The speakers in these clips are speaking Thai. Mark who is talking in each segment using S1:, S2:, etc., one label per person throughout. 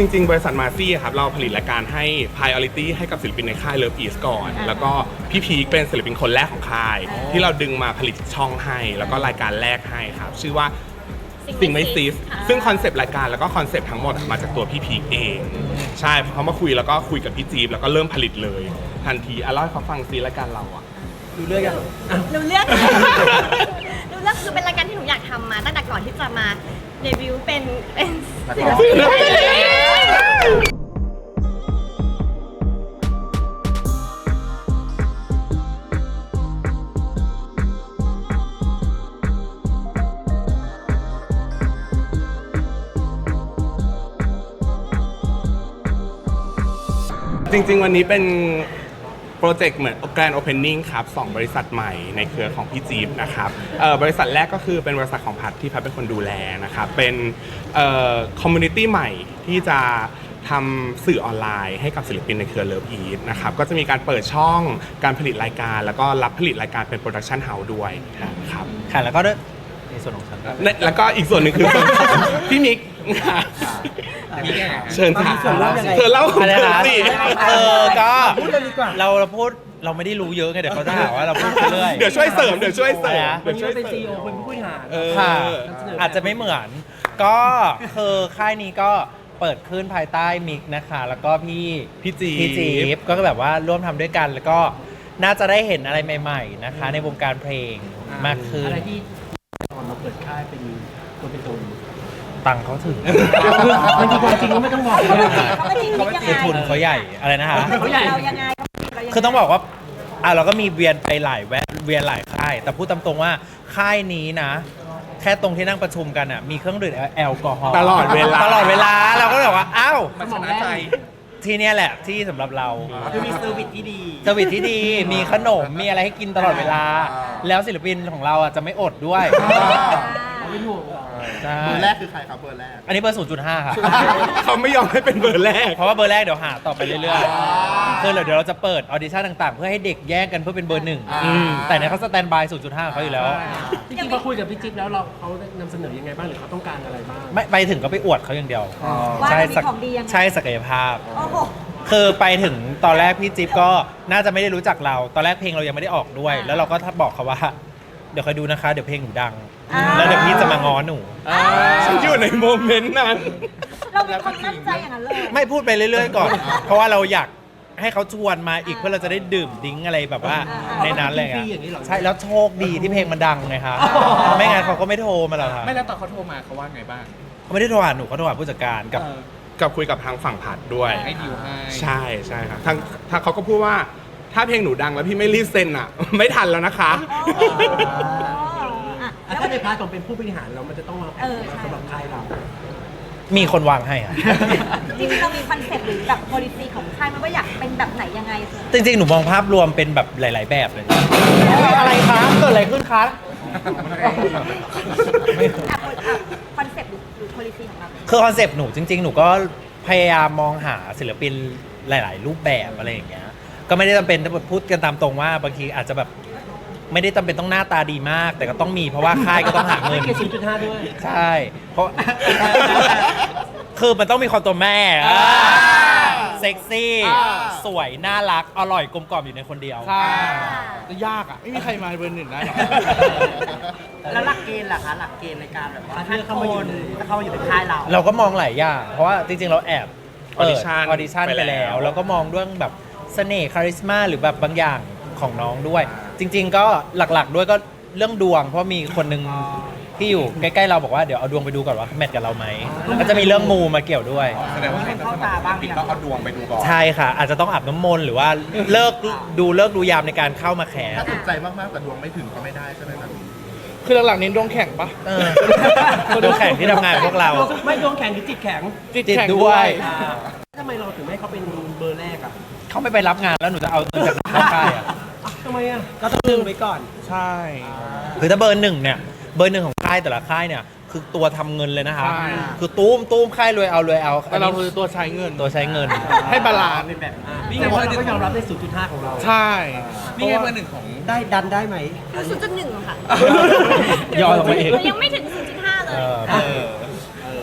S1: จริงๆบริษัทมาซี่ครับเราผลิตรายการให้ priority ให้กับศิลปินในค่าย Love East ก่อนแล้วก็พี่พีคเป็นศิลปินคนแรกของค่ายที่เราดึงมาผลิตช่องให้แล้วก็รายการแรกให้ครับชื่อว่าสิ่งไม่ซีสซึ่งคอนเซปต์รายการแล้วก็คอนเซปต์ทั้งหมดมาจากตัวพี่พีคเองใช่พอเขามาคุยแล้วก็คุยกับพี่จี๊บแล้วก็เริ่มผลิตเลยทันทีเล่าให้เขาฟังซิรายการเราอะ
S2: ดูเรื่องยัง
S3: หนูเลือกคือเป็นรายการที่หนูอยากทำมาตั้งแต่ก่อนที่จะมาเดบิวต์เป็นศิลปิน
S1: จริงๆวันนี้เป็นโปรเจกต์เหมือน Grand Opening ครับ2บริษัทใหม่ในเครือของพี่จี๊บนะครับบริษัทแรกก็คือเป็นบริษัทของพัดที่พัดเป็นคนดูแลนะครับเป็นคอมมูนิตี้ใหม่ที่จะทำสื่อออนไลน์ให้กับศิลปินในเครือ Love East นะครับก็จะมีการเปิดช่องการผลิตรายการแล้วก็รับผลิตรายการเป็นโปรดักชันเฮาส์ด้วยครับ
S2: ค่ะแล้วก็ในส่วนของฉัน
S1: แล้วก็อีกส่วนหนึ่งคือพี่มิกเชิญค่ะเธอเล่า
S2: อะไรนะ
S1: สิ
S2: ก็เราพูดเราไม่ได้รู้เยอะไงเดี๋ยวเขาจะหาว่าเราพูดไปเรื่อย
S1: เดี๋ยวช่วยเสริม
S2: วัน
S1: นี้
S2: เป็นซีอีโอเป็นผู้บริหารค่ะอาจจะไม่เหมือนก็คือค่ายนี้ก็เปิดขึ้นภายใต้มิกนะคะแล้วก็พี่จี๊บก็แบบว่าร่วมทำด้วยกันแล้วก็น่าจะได้เห็นอะไรใหม่ๆนะคะในวงการเพลงมากขึ้น
S4: อะไรที่ตอนเราเปิดค่ายเป็นตัวเป็นตน
S2: ตังเขาถึง
S4: มันจริงความจริงก็ไม่ต้องบอก
S2: คือทุนเขาใหญ่อะไรนะคะ
S3: เขาใหญ่เรายังไง
S2: คือต้องบอกว่าเราก็มีเวียนไปหลายเวียนหลายค่ายแต่พูดตามตรงว่าค่ายนี้นะแค่ตรงที่นั่งประชุมกันอ่ะมีเครื่องดื่มแอลกอฮอล์
S1: ตลอดเวลา
S2: เราก็แบบว่าอ้าว
S4: มันชนะใจ
S2: ที่นี่แหละที่สำหรับเรา
S4: คือมีเซอร์วิสที่ดี
S2: มีขนมมีอะไรให้กินตลอดเวลาแล้วศิลปินของเราจะไม่อดด้วย
S4: ไม่ห่วง
S5: เบอร์แรกคือใครครับเบอร์แรก
S2: อันนี้เบอร์ 0.5 ค่ะ
S1: เขาไม่ยอมให้เป็นเบอร์แรก
S2: เพราะว่าเบอร์แรกเดี๋ยวหาต่อไปเรื่อยๆคือเดี๋ยวเราจะเปิดออดิชั่นต่างๆเพื่อให้เด็กแย่งกันเพื่อเป็นเบอร์ 1แต่เนี่ยเขาสแตนบาย 0.5 เขาอยู่แล้ว
S4: จริงๆพอคุยกับพี่จิ๊บแล้วเขานำเสนอยังไงบ้างหรือเขาต้องการอะไรบ้าง
S2: ไม่ไปถึงก็ไปอวดเขาอย่างเดียว
S3: ใ
S2: ช่ศักยภาพคือไปถึงตอนแรกพี่จิ๊บก็น่าจะไม่ได้รู้จักเราตอนแรกเพลงเรายังไม่ได้ออกด้วยแล้วเราก็บอกเขาว่าเดี๋ยวคอยดูนะคะเดี๋ยวเพลงหนูดังแล้วเดี๋ยวพี่จะมาง้อหนู
S1: ฉันอยู่ในโมเมนต์นั้น
S3: เราเป็นคนตั้งใจอย่างนั้นเลย
S2: ไม่พูดไปเรื่อยๆก่อนเพราะว่าเราอยากให้เขาชวนมาอีกเพื่อเราจะได้ดื่มดิ้งอะไรแบบว่าในนั้นเลยใช่แล้วโชคดีที่เพลงมันดังไงคะไม่งั้นเขาก็ไม่โทรมาหรอกค่ะ
S5: ไม่แล้วตอนเขาโทรมาเขาว่าไงบ้าง
S2: เขาไม่ได้โทรหาหนูเขาโทรหาผู้จัดการ
S1: กับคุยกับทางฝั่งผัดด้วย
S5: ให้ดิวให้
S1: ใช่ครับทางเขาก็พูดว่าถ้าเพลงหนูดังแล้วพี่ไม่รีบเซ็นอ่ะไม่ทันแล้วนะคะ
S4: ถ้าในพาร์ทของเป็นผู้บริหารเรามันจะต้องมาสำหรับค่ายเรา
S2: มีคนวางให้อะ
S3: จริงๆเรามีคอนเซ็ปต์หรือแบบ policy ของค่ายมันว่าอยากเป็นแบบไหนยังไง
S2: จริงๆหนูมองภาพรวมเป็นแบบหลายๆแบบเลยอะไรคะเกิดอะไรขึ้นคะ
S3: คอนเซ็ปต์หรือ policy ของเรา
S2: คือคอนเซ็ปต์หนูจริงๆหนูก็พยายามมองหาศิลปินหลายๆรูปแบบอะไรอย่างเงี้ยก็ไม่ได้จำเป็นพูดกันตามตรงว่าบางทีอาจจะแบบไม่ได้จำเป็นต้องหน้าตาดีมากแต่ก็ต้องมีเพราะว่าค่ายก็ต้องหาเงิน
S4: 0.5 ด้วย
S2: ใช่เพราะคือมันต้องมีความตัวแม่เซ็กซี่สวยน่ารักอร่อยกลมกล่อมอยู่ในคนเดียว
S5: ใช่จะยากอ่ะไม่มีใครมาเบอร์ 1ได้หรอก
S4: แล้วหลักเกณฑ์ล่ะคะหลักเกณฑ์ในการแบบว่าถ้าเข้ามาอยู่ในค่าย
S2: เราก็มองหลายอย่างเพราะว่าจริงๆเราแอบ
S1: ออดิ
S2: ชั่นไปแล้วแล้วก็มองเรื่องแบบเสน่ห์คาริสมาหรือแบบบางอย่างของน้องด้วยจริงๆก็หลักๆด้วยก็เรื่องดวงเพราะมีคนนึงที่อยู่ใกล้ๆเราบอกว่าเดี๋ยวเอาดวงไปดูก่อนว่าแมทกับเราไหมก็จะมีเรื่องมูมาเกี่ยวด้วย
S5: แสดงว่าเข้าตาบ้างปิดก็เอาดวงไปดูก่อน
S2: ใช่ค่ะอาจจะต้องอาบน้ำมนต์หรือว่าเลิกดูยามในการเข้ามาแข่
S5: ถ้าสนใจมากๆแต่ดวงไม่ถึงก็ไม่ได้ใช่ไหมครับ
S1: คือหลักๆเน้นดวงแข่งปะ
S2: ดวงแข่งที่ทำงานพวกเรา
S4: ไม่ดวงแข่งหรือจิตแข็ง
S2: จิตด้วย
S4: ทำไมเราถึงไม่เขาเป็นเบอร์แรกอ่ะ
S2: เขาไม่ไปรับงานแล้วหนูจะเอาเงินจากไหนเข้าค่ายอ่ะ
S4: ทำไมอ่ะก็ต้องดึงไว้ก่อน
S2: ใช่คือถ้าเบอร์ 1เนี่ยเบอร์ 1ของค่ายแต่ละค่ายเนี่ยคือตัวทำเงินเลยนะคะคือตุ้มค่ายรวยเอา
S1: แต่เราคือตัวใช้เงินให้บาลานซ์
S4: แบบนี่ไงเราก็ยอมรับใน 0.5 ของเรา
S1: ใช่
S5: นี่ไงเบอร์ 1ของ
S4: ได้ดันได้ไหม
S3: 0.1 ค่ะ
S2: ย่อลงมาเอง
S3: ยังไม่ถึง 0.5 เลย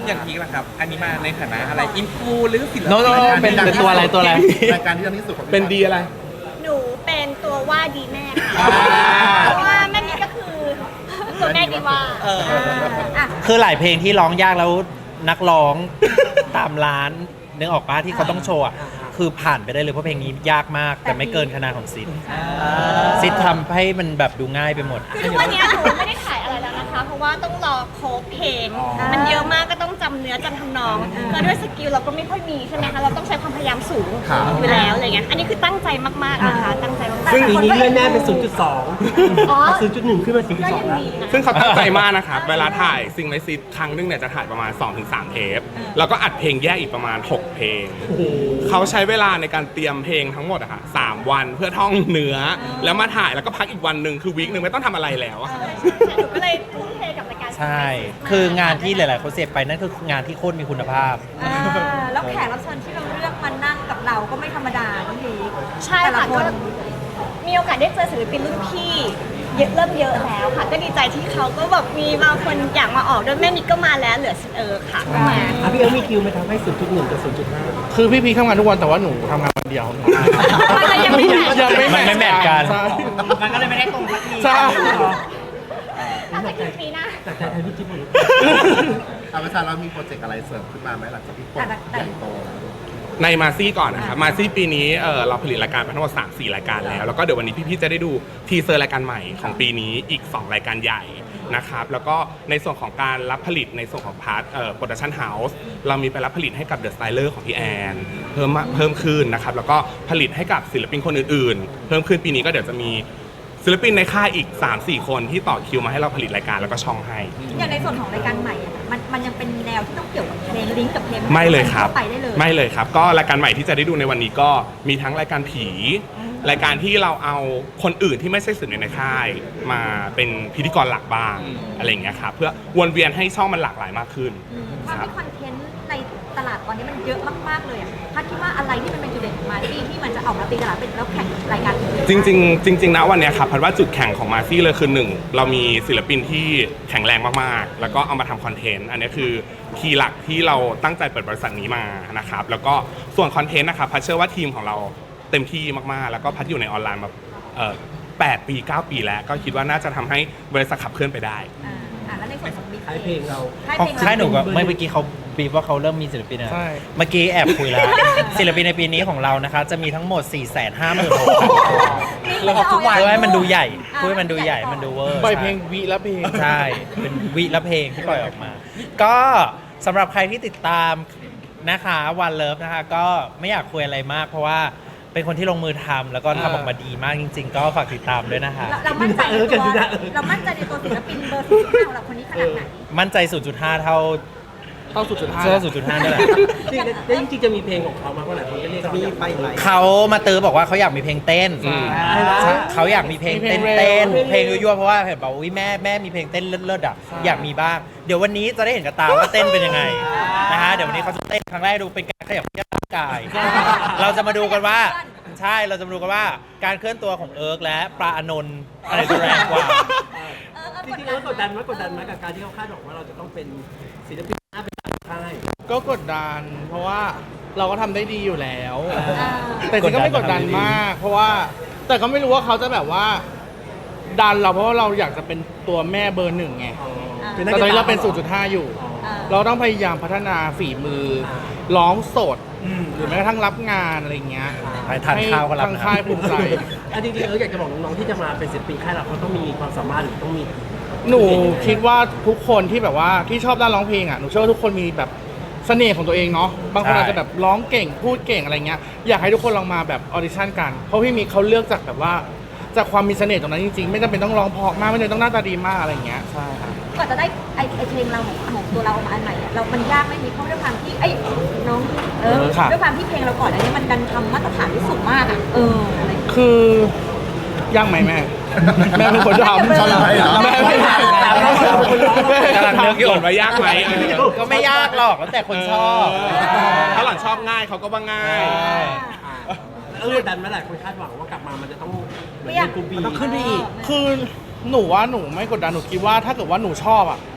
S5: อย่างพีคล่ะครับ อันนี้มาในฐานะอะไรอินฟูหรือศิลปิน
S2: โน้ตเป็นตัวอะไรตัวอะไร
S5: รายการที่ดังที่สุดของพี่
S1: เป็นดีอะไร
S3: หนูเป็นตัวว่าดีแม่ค่ะ
S1: อ่า
S3: เพราะว่าแม่นี่ก็คือตัวแม่ดีว่าอ่ะ
S2: คือหลายเพลงที่ร้องยากแล้วนักร้อง ตามร้านนึกออกปะที่เขาต้องโชว์อะคือผ่านไปได้เลยเพราะเพลงนี้ยากมาก แต่ไม่เกินคะแนนของซิดซิดทำให้มันแบบดูง่ายไปหมด
S3: คือทุกวันนี้หนูไม่ได้ถ่ายอะไรแล้วนะคะ เพราะว่าต้องรอโค้ดเพลง มันเยอะมากก็ต้องจำเนื้อจำทำนองแล้วด้วยสกิลเราก็ไม่ค่อยมีใช่ไหมคะ เราต้องใช้ความพยายามสูงอยู่แล้วอะไรเงี้ย อันนี้คือตั้งใจมากๆนะคะ ตั้งใจมากๆ
S4: ซึ่งปีนี้เลื่อนแน่เป็น
S3: อ๋อ
S4: 0.2 0.1 ขึ้นมา
S3: ก็ยัง
S4: 0.2 แล้ว
S3: ดีนะ
S1: ซึ่งเขาตั้งใจมากนะครับ เวลาถ่ายซิงไลซิตครั้งนึงเนี่ยจะถ่ายประมาณ 2-3 เทป แล้วก็อัดเพลงแยกอีกประมาณ 6 เพลง เขาใช้เวลาในการเตรียมเพลงทั้งหมดอะค่ะ3 วันเพื่อท่องเนื้อ แล้วมาถ่ายแล้วก็พักอีกวันหนึ่งคือวีคหนึ่งไม่ต้องทำอะไรแล้วอะ
S3: หนูก็เลยทุ่มเทกับรายการ
S2: ใช่ คืองานที่หลาย ๆ คนเสพไปนั่นคืองานที่โคตรมีคุณภาพ
S6: แล้วแขกรับเชิญที่เราเลือกมานั่งกับเราก็ไม่ธรรมดาน้องพีค
S3: ใช่
S6: แต่ละ
S3: ค่ะ
S6: ค
S3: ก็
S6: น
S3: มีโอกาสได้เจอศิลปินรุ่นพี่เริ่มเยอะแล้วค่ะ ก็ดีใจที่เขาก็แบบมีบางคนอยากมาออกด้วยแม่นิกก็มาแล้วเหลือค่ะก็มา
S4: พี่เอ๋มีคิวไหมทำให้ 0.1 กับ 0.5
S5: คือพี่พีทำงานทุกวันแต่ว่าหนูทำงานวันเดียว
S3: มันยังไม่แมท
S5: ยังไม่
S2: มันไม่แมทกัน
S5: ใช่
S4: มันก็เลยไม่ได้ตรงสักที
S5: ใช่
S3: ตั้งแต่กี่ปีหน้า
S4: จากใจไทยพี่จิ๊บหมด
S5: อาประชาเรามีโปรเจกต์อะไรเสริมขึ้นมาไหมหลังจากที่โปรเจกต์ใหญ่โต
S1: ในมาซี่ก่อนนะครับ มาซี่ปีนี้เราผลิตรายการมาทั้งหมด 3-4 รายการแล้ว แล้วก็เดี๋ยววันนี้พี่ๆจะได้ดูทีเซอร์รายการใหม่ของปีนี้อีก 2 รายการใหญ่นะครับ แล้วก็ในส่วนของการรับผลิตในส่วนของพาร์ทโปรดักชั่นเฮาส์เรามีไปรับผลิตให้กับเดอะสไตเลอร์ของพี่แอนเพิ่มขึ้นนะครับ แล้วก็ผลิตให้กับศิลปินคนอื่นๆ เพิ่มขึ้นปีนี้ก็เดี๋ยวจะมีศิลปินในค่ายอีก 3-4 คนที่ต่อคิวมาให้เราผลิตรายการแล้วก็ช่องให้
S6: อย่างในส่วนของรายการใหม่อะมันยังเป็นแนวที่ต้องเกี่ยวกับเพลงลิงก์กับเพลง
S1: ไม่เลยครับ
S6: ไปได้เลย
S1: ไม่เลยครับ ก็รายการใหม่ที่จะได้ดูในวันนี้ก็มีทั้งรายการผี รายการที่เราเอาคนอื่นที่ไม่ใช่ศิลปินในค่าย มาเป็นพิธีกรหลักบ้างอะไรอย่างเงี้ยครับเพื่อวนเวียนให้ช่องมันหลากหลายมากขึ้น
S6: ความ
S1: ครับ
S6: ที่คอนเทนต์ในตลาดตอนนี้มันเยอะมากๆเลยอะพัดคิดว่าอะไรที่มันเป็นจุดเด่นของมาที่มันจะออกมาตีตลาดเป็นแล้วแข่งรายการอื่น
S1: จริงๆนะวันเนี้ยครับพัดว่าจุดแข่งของมาซี่เลยคือหนึ่งเรามีศิลปินที่แข็งแรงมากๆ แล้วก็เอามาทำคอนเทนต์อันนี้คือคีย์หลักที่เราตั้งใจเปิดบริษัทนี้มานะครับแล้วก็ส่วนคอนเทนต์นะครับพัดเชื่อว่าทีมของเราเต็มที่มากๆ แล้วก็พัดอยู่ในออนไลน์มา8 ปี 9 ปีแล้วก็คิดว่าน่าจะทำให้บริษัทขับเคลื่อนไปได้
S6: แล้วในส่วนของบิ๊ก
S4: ค่ายเพลงเรา
S2: ของค่ายหนูก็เมื่อกี้เขาบีบว่าเขาเริ่มมีศิลปินนะ
S5: ใช่
S2: เมื่อกี้แอบคุยแล้ว ศิลปินในปีนี้ของเรานะคะ จะมีทั้งหมด 456,000
S6: ทุกวัน
S2: เพื่อให้มันดูใหญ่เพื่อให้มันดูใหญ่มันดูเวอร์
S5: ปล่อยเพลงวิละเพลง
S2: ใช่ เป็นวิละเพลงที่ปล่อยออกมา ก็สำหรับใครที่ติดตามนะคะวันเลิฟนะคะ ก็ไม่อยากคุยอะไรมาก เพราะว่าเป็นคนที่ลงมือทำแล้วก็ทำออกมาดีมากจริง ๆ ก็ฝากติดตามด้วยนะคะ
S6: เรามั่นใจในตัวเรามั่นใจในตัวศิลปินเบอร์ที่5ของเราคนนี้ขนาดไหน
S2: มั่นใจ 0.5 เท่า
S5: เข้าสู่จุดห้า
S2: เชื่อ0.5นี่แหละ
S4: จริงๆจะมีเพลงของเขามาเมื่อไหร่คนก็เรียกเขาไปไหม
S2: เขามาตื้อบอกว่าเขาอยากมีเพลงเต้น เขาอยากมีเพลงเต้นเต้นเพลงยั่วๆเพราะว่าเห็นบอกว่าอุ๊ยแม่มีเพลงเต้นเลิศๆอ่ะอยากมีบ้าง เดี๋ยววันนี้จะได้เห็นกับตาว่าเต้นเป็นยังไงนะฮะเดี๋ยววันนี้เขาจะเต้นครั้งแรกดูเป็นการขยับเขยื้อนร่างกาย เราจะมาดูกันว่าใช่เราจะมาดูกันว่าการเคลื่อนตัวของเอิร์กและปลาอานนท์อะไรจะแรงกว่า
S4: จริงๆแล้วกดดันไหมกับการที่เขาคาดหวังว่าเราจะต้องเป็นศิลปินหน้าเป็นตาค่าย
S5: ก็กดดัน เพราะว่าเราก็ทำได้ดีอยู่แล้ว แต่จริงก็ไม่กดดันมาก เพราะว่าแต่ก็ไม่รู้ว่าเขาจะแบบว่า ดันเราเพราะว่าเราอยากจะเป็นตัวแม่เบอร์ 1ไงแต่ตอนนี้เราเป็น 0.5 อยู่ เราต้องพยายามพัฒนาฝีมือร้องสดหรือแม้กระทั่งรับงานอะไรเงี้ย
S2: ไปทานข้าวก็รับ
S5: ทางค่ายภูมิใจ
S4: จริงๆอยากจะบอกน้องๆที่จะมาเป็นศิลปินค่ายเราเขาต้องมีความสามารถหรือต้องมี
S5: หนูคิดว่าทุกคนที่แบบว่าที่ชอบด้านร้องเพลงอ่ะหนูเชื่อว่าทุกคนมีแบบเสน่ห์ของตัวเองเนาะบางคน
S2: ใช่
S5: อาจจะแบบร้องเก่งพูดเก่งอะไรเงี้ยอยากให้ทุกคนลองมาแบบออดิชั่นกันเพราะพี่มีเขาเลือกจากแบบว่าจากความมีเสน่ห์ตรงนั้นจริงๆไม่จำเป็นต้องร้องเพราะมากไม่จำเป็นต้องหน้าตาดีมากอะไรเงี้ยใช่ครับ
S6: ก่อนจะได้ไอเพลงเราของตัวเราออกมาอันใหม่อะมันยากไม่มีเพราะด้วยความที่น้องด้วยความที่เพลงเราก่อนอันนี้มันดันทำมาตรฐานที่สูงมากอะอะไร
S5: คือยากไหมแม่ แม่เป็นคนทำ
S6: ใช่ไหม
S5: แม่ไม่ทำ
S2: กำลังนึกอยู่
S1: หล่อนว่ายากไหม
S2: ก็ไม่ยากหรอกแล้วแต่คนชอบ
S1: ถ้าหล่อนชอบง่ายเขาก็ว่าง่าย
S4: กดดันไหมหลายคนคาดหวังว่ากลับมามันจะต้องเหมือนเป็นกลุ่มบีต้องขึ้นไปอีก
S5: คือหนูว่าหนูไม่กดดันหนูคิดว่าถ้าเกิดว่าหนูชอบอ่ะ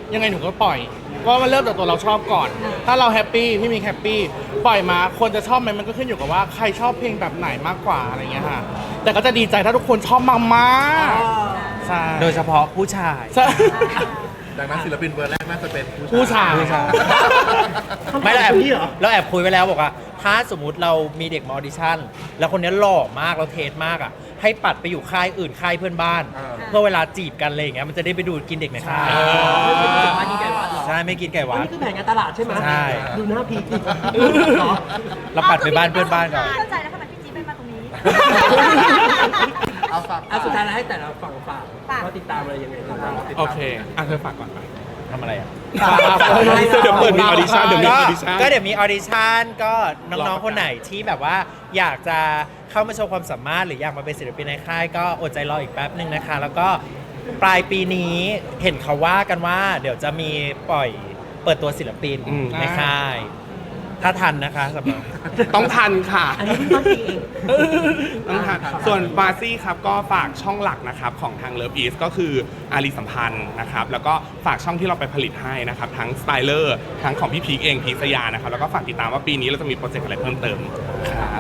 S5: ยังไงหนูก็ปล่อยเพราะมันเริ่มจากตัวเราชอบก่อน ถ้าเราแฮปปี้พี่มีแฮปปี้ปล่อยมาคนจะชอบไหมมันก็ขึ้นอยู่กับว่าใครชอบเพลงแบบไหนมากกว่าอะไรเงี้ยค่ะแต่ก็จะดีใจถ้าทุกคนชอบมากๆใช่
S2: โดยเฉพาะผู้ชาย
S5: ใช่
S7: ดังนั้นศิลปินเบอร์แรกน่าจะเป็น
S5: ผู้ชาย
S2: ไม่เราแอบคุยไว้แล้วบอกว่า ถ้าสมมุติเรามีเด็กมาออดิชั่น แล้วคนนี้หล่อมากเราเทสมากอ่ะให้ปัดไปอยู่ค่ายอื่นค่ายเพื่อนบ้าน เพื่อเวลาจีบกันอะไรอย่างเงี้ยมันจะได้ไปดูกินเด็กในค่าย
S4: ว่านี่ไก่วัดเหรอ
S2: ใช่ไม่กินไก่หวาน
S4: นี่คือแผนการตลาดใช่ไหม
S2: ใช่
S4: ดูหน้าพีคดิ
S2: เราปัดไปบ้านเพื่อนบ้านก่อน
S6: เข้าใจแล้วทำไมพี่จี๊ดไม่มาตรงนี้
S7: เอาฝาก
S4: สุดท้ายแล้วให้แต่ละฝั่งฝาก
S6: ฝาก
S4: ว่าติดตามอะไรยังไงบ้าง
S1: โอเคเธอฝากก่อนไป
S2: ทำอะไรอ่ะ
S1: เดี๋ยวเปิดมีออดิชั่นเดี๋ยวมีออดิชั่น
S2: ก็เดี๋ยวมีออดิชั่นก็น้องๆคนไหนที่แบบว่าอยากจะเข้ามาโชว์ความสามารถหรืออยากมาเป็นศิลปินในค่ายก็อดใจรออีกแป๊บหนึ่งนะคะ แล้วก็ปลายปีนี้เห็นเขาว่ากันว่า เดี๋ยวจะมีเปิดตัวศิลปินในค่าย ถ้าทันนะคะสำหรับ
S1: ต้องทันค่ะ
S4: อันนี้เพิ่งต้นปีเอง
S1: ต้องทันส่วนบาซี่ครับก็ฝากช่องหลักนะครับของทาง Love East ก็คืออารีสัมพันธ์นะครับแล้วก็ฝากช่องที่เราไปผลิตให้นะครับทั้งสไตเลอร์ทั้งของพี่พีคเองพีคสยานะครับแล้วก็ฝากติดตามว่าปีนี้เราจะมีโปรเจกต์อะไรเพิ่มเติมครับ